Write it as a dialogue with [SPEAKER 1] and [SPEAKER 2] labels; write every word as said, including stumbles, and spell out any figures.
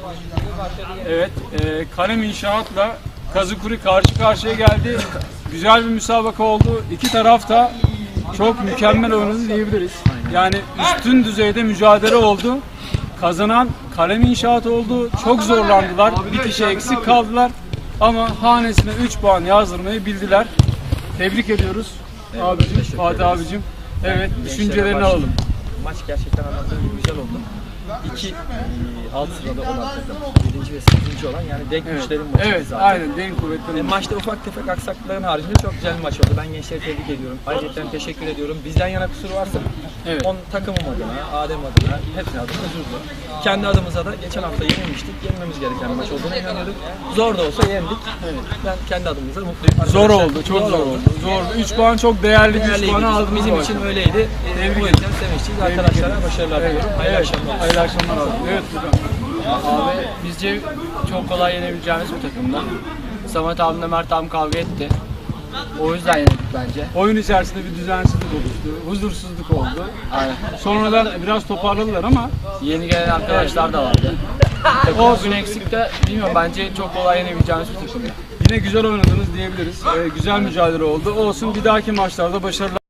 [SPEAKER 1] Evet, e, Kalem İnşaat'la Kazıkuri karşı karşıya geldi. Güzel bir müsabaka oldu. İki taraf da çok mükemmel oynadı diyebiliriz. Yani üstün düzeyde mücadele oldu. Kazanan Kalem İnşaat oldu. Çok zorlandılar. Bir kişi eksik kaldılar. Ama hanesine üç puan yazdırmayı bildiler. Tebrik ediyoruz abicim, Fatih abicim. Evet, düşüncelerini alalım.
[SPEAKER 2] Maç gerçekten anlattığım gibi güzel oldu. İki alt sırada olan takım, yedinci ve sekizinci olan yani denk
[SPEAKER 1] Evet,
[SPEAKER 2] güçlerin maçı
[SPEAKER 1] evet
[SPEAKER 2] zaten.
[SPEAKER 1] aynen denk kuvvetli.
[SPEAKER 2] E, maçta ufak tefek aksaklıkların haricinde çok güzel bir maç oldu. Ben gençleri tebrik ediyorum. Ayrıca teşekkür ediyorum. Bizden yana kusur varsa
[SPEAKER 1] Evet.
[SPEAKER 2] on takımım adına, Adem adına, hepsine adına özür dilerim. Kendi adımıza da geçen hafta yenilmiştik. Yenmemiz gereken bir maç olduğunu inanıyorduk. Zor da olsa yendik. Evet. Ben kendi adımıza mutluyum.
[SPEAKER 1] Zor oldu, çok zor, zor oldu. Zor. üç puan çok değerli, üç puanı aldınız.
[SPEAKER 2] Bizim için öyleydi.
[SPEAKER 1] Tebrik
[SPEAKER 2] O yüzden sevinçliyiz. Arkadaşlara başarılar diliyorum. Hayırlı
[SPEAKER 1] Evet,
[SPEAKER 2] akşamlar.
[SPEAKER 1] hayırlı akşamlar abi. Evet hocam.
[SPEAKER 3] Abi bizce çok kolay yenebileceğimiz bir takımda. Samet abimle Mert abim kavga etti. O yüzden yenildik bence.
[SPEAKER 1] Oyun içerisinde bir düzensizlik oluştu, huzursuzluk oldu.
[SPEAKER 3] Aynen.
[SPEAKER 1] Sonradan biraz toparladılar ama
[SPEAKER 3] Yeni gelen arkadaşlar da vardı. O gün eksik de bilmiyorum, bence çok kolay yenebileceğimiz bir takım.
[SPEAKER 1] yine güzel oynadınız diyebiliriz. Ee, güzel mücadele oldu. Olsun, bir dahaki maçlarda başarılar.